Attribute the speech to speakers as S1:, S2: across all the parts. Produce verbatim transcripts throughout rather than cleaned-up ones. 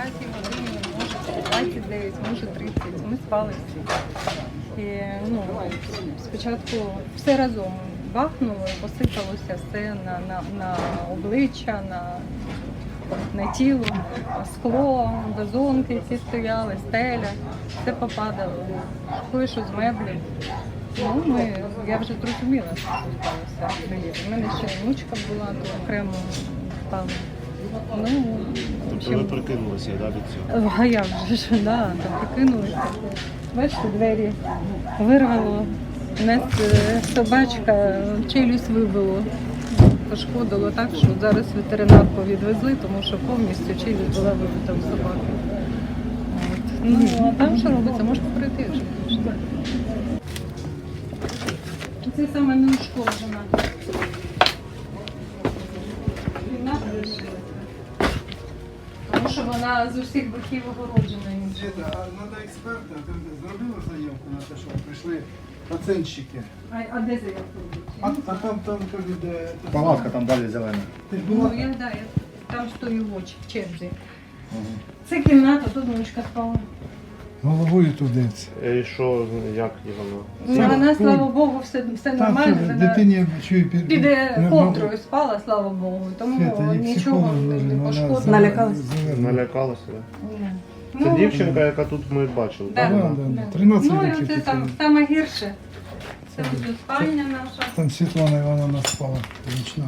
S1: десятій годині, може двадцять дев'ять, може тридцять. Ми спали всі. І, ну, спочатку все разом бахнуло і посипалося все на, на, на обличчя, на, на тіло, скло, вазонки ці стояли, стеля, все попадало, кое-що з меблів. Ну, ми, я вже зрозуміла, що сталося. У мене ще внучка була, то окремо впала. Ну, в общем,
S2: ви прикинулися, да, від цього?
S1: а я вже ж, да, там прикинулися. Бачите, двері вирвало. У нас е, собачка челюсть вибило. Пошкодило так, що зараз ветеринарку відвезли, тому що повністю челюсть була вибита у собаки. От. Ну, а там що робиться, можете прийти, якщо хочете. Це саме неушкоджена. Кімната лишилася. Тому що вона з усіх боків огороджена.
S3: Діда, а треба експерта, ти зробила заявку на те, що прийшли оцінщики?
S1: А, а де заявку
S3: А,
S1: робити?
S3: а там, там, кажуть, де...
S4: Палатка там далі зелена.
S3: Ти ж була?
S1: Ну, я, да, я там стою в очі, в черзі. Це кімната, тут внучка спала.
S3: Головою туди.
S2: І що, як воно?
S1: Ну, вона, слава Богу, все, все нормально.
S3: Так,
S1: Вона
S3: дитині чую під...
S1: під ковдрою спала, слава Богу. Тому нічого не пошкодило.
S5: Налякалась?
S2: Налякалася, так?
S1: Ні.
S2: Це
S1: Ну,
S2: дівчинка, яка тут ми бачили,
S1: Да.
S2: так?
S3: Да,
S2: вона?
S3: да, да. тринадцять
S1: Ну, і
S3: років.
S1: це
S3: тут
S1: там
S3: було.
S1: саме гірше. Це ось спальня наша.
S3: Там Світлана Івановна спала вічно.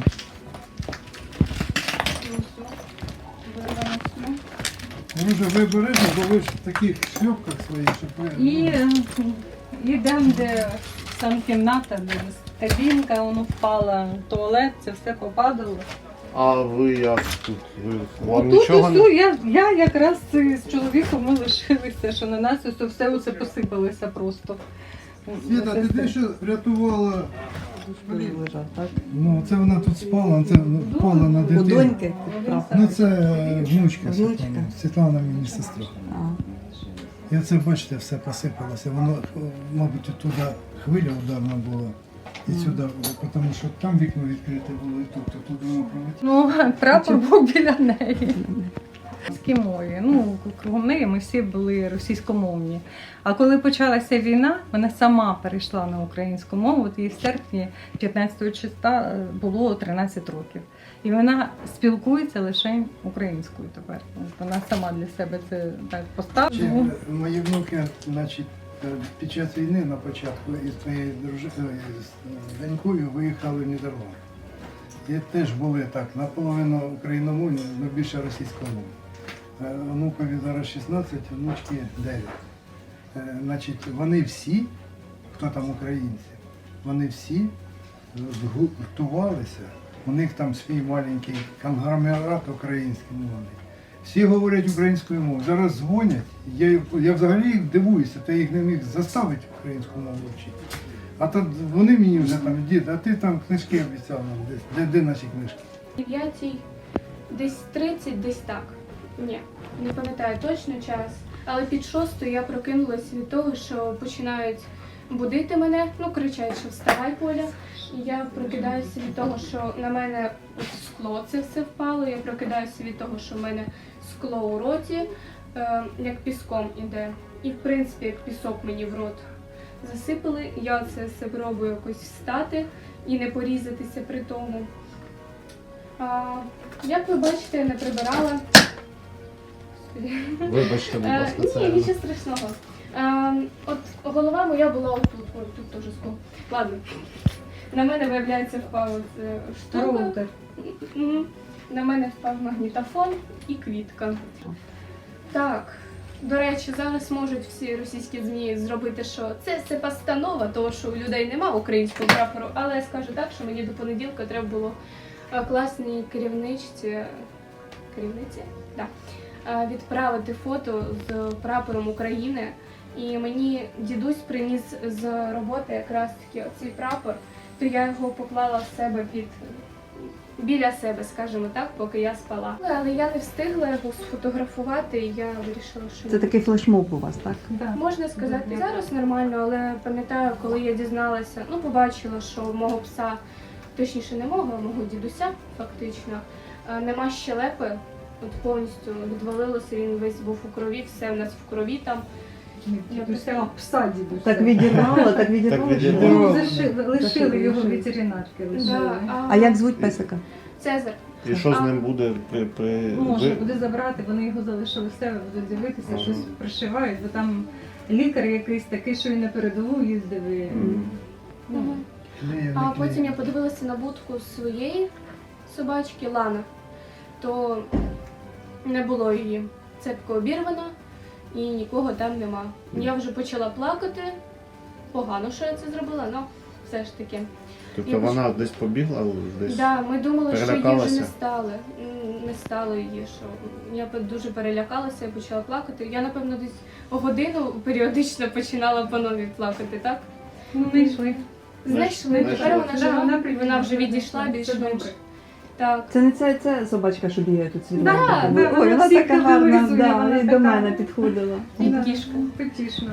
S3: Ви вже виберете, бо ви ж в таких шльопках своїх, щоб ви...
S1: І йдемо, де сам кімната, де кабінка, воно впала, туалет, це все попадало.
S2: А ви як тут? Ви, вам
S1: Тут
S2: нічого
S1: усю,
S2: не...
S1: я, я якраз з чоловіком ми лишилися, що на нас усе, все оце посипалося просто.
S3: Світа, ти те, що рятувала...
S5: Лежав, так?
S3: Ну, це вона тут спала, це впала на
S5: У
S3: дитину.
S5: доньки?
S3: Ну, це внучка
S5: Внучка?
S3: Світлана. Світлана мені сестра.
S5: А.
S3: І оце, бачите, все посипалося. Воно, мабуть, туди хвиля ударна була. І сюди, тому що там вікно відкрите було, і тут, то тут воно пролетіло.
S1: Ну, прапор був біля неї. Російській мові. Ну, кругом неї ми всі були російськомовні. А коли почалася війна, вона сама перейшла на українську мову. От їй в серпні п'ятнадцятого числа було тринадцять років. І вона спілкується лише українською тепер. От вона сама для себе це так поставила.
S3: Мої внуки, значить, під час війни на початку із своєю дружиною, з донькою виїхали в Нідерланди. І теж були так, наполовину україномовні, але більше російськомовні. Внукові зараз шістнадцять, внучки дев'ять. Значить, вони всі, хто там українці, вони всі згуртувалися, у них там свій маленький конгломерат український мовний. Всі говорять українською мовою. Зараз дзвонять, я, я взагалі їх дивуюся, та їх не міг заставити українську мову вчити. А то вони мені вже там, дід, а ти там книжки обіцяв нам десь, де, де наші книжки?
S6: дев'ятій, десь тридцять, десь так. Ні, не пам'ятаю точно час. Але під шостою я прокинулася від того, що починають будити мене, ну кричать, що вставай, Поля. І я прокидаюся від того, що на мене скло це все впало. Я прокидаюся від того, що в мене скло у роті, е, як піском іде. І в принципі, як пісок мені в рот засипали. Я це все пробую якось встати і не порізатися при тому. А, як ви бачите, я не прибирала.
S2: Вибачте, будь ласка,
S6: Е,
S2: це...
S6: Ні, нічого страшного. Е, от голова моя була отут, ой, тут теж скло. Ладно. На мене, виявляється, впав е, штука.
S1: Роутер.
S6: Мгм. На мене впав магнітофон і квітка. Так, до речі, зараз можуть всі російські ЗМІ зробити, що це все постанова, того, що у людей нема українського прапору, але я скажу так, що мені до понеділка треба було е, класній керівничці, керівниці? Да. Е, відправити фото з прапором України. І мені дідусь приніс з роботи якраз таки оцей прапор, то я його поклала в себе під, біля себе, скажімо так, поки я спала. Але я не встигла його сфотографувати, і я вирішила, що
S5: Це такий флешмоб у вас, так?
S1: Да.
S6: можна сказати, зараз нормально, але пам'ятаю, коли я дізналася, ну побачила, що в мого пса, точніше не мого, а мого дідуся фактично, е, нема щелепи От повністю відвалилося, він весь був у крові, все в нас в крові там.
S1: Дідуся пса дідуся.
S5: Так відірвало, так відірвало.
S2: Так
S5: чи ні?
S2: відірвало.
S1: Ну, зашили, лишили його
S5: лишили.
S1: ветеринарки,
S6: Да,
S1: лишили.
S5: А як звуть песика?
S6: Цезар.
S2: І що з
S6: А.
S2: ним буде при... при...
S1: Можна
S2: ви-
S1: буде забрати, вони його залишили в себе, будуть дивитися,
S2: Ага.
S1: щось пришивають, бо там лікар якийсь такий, що і на передову їздив. І...
S5: Мгм.
S1: Ну,
S6: Мгм.
S3: Клеїв,
S6: А
S3: не
S6: потім я
S3: клеїв.
S6: подивилася на будку своєї собачки Лана, то не було її. Цепка обірвана і нікого там нема. Я вже почала плакати. Погано, що я це зробила, але все ж таки.
S2: Тобто
S6: Я
S2: вона десь побігла, десь?
S6: Да, ми думали, що її вже
S2: перелякалася?
S6: не стало. М, Не стало її. Що я пе- дуже перелякалася, я почала плакати. Я, напевно, десь годину періодично починала по новій плакати, так?
S1: ну, знайшли.
S6: Знайшли.
S2: Знайшли.
S6: Тепер вона
S1: Да,
S6: жива,
S1: вона
S6: і
S1: прийшла,
S6: вона вже
S1: вона
S6: відійшла
S1: знайшла. Це
S6: більш-менш.
S1: добре.
S6: Так.
S5: Це не ця, ця собачка, що бігає тут світ.
S1: Да, да,
S5: Ой,
S1: вона
S5: вона
S1: всіх
S5: така гарна,
S1: категоризує,
S5: да,
S1: вона
S5: і до
S1: така.
S5: мене підходила.
S6: І
S1: Да,
S6: кішка.
S1: Потішно.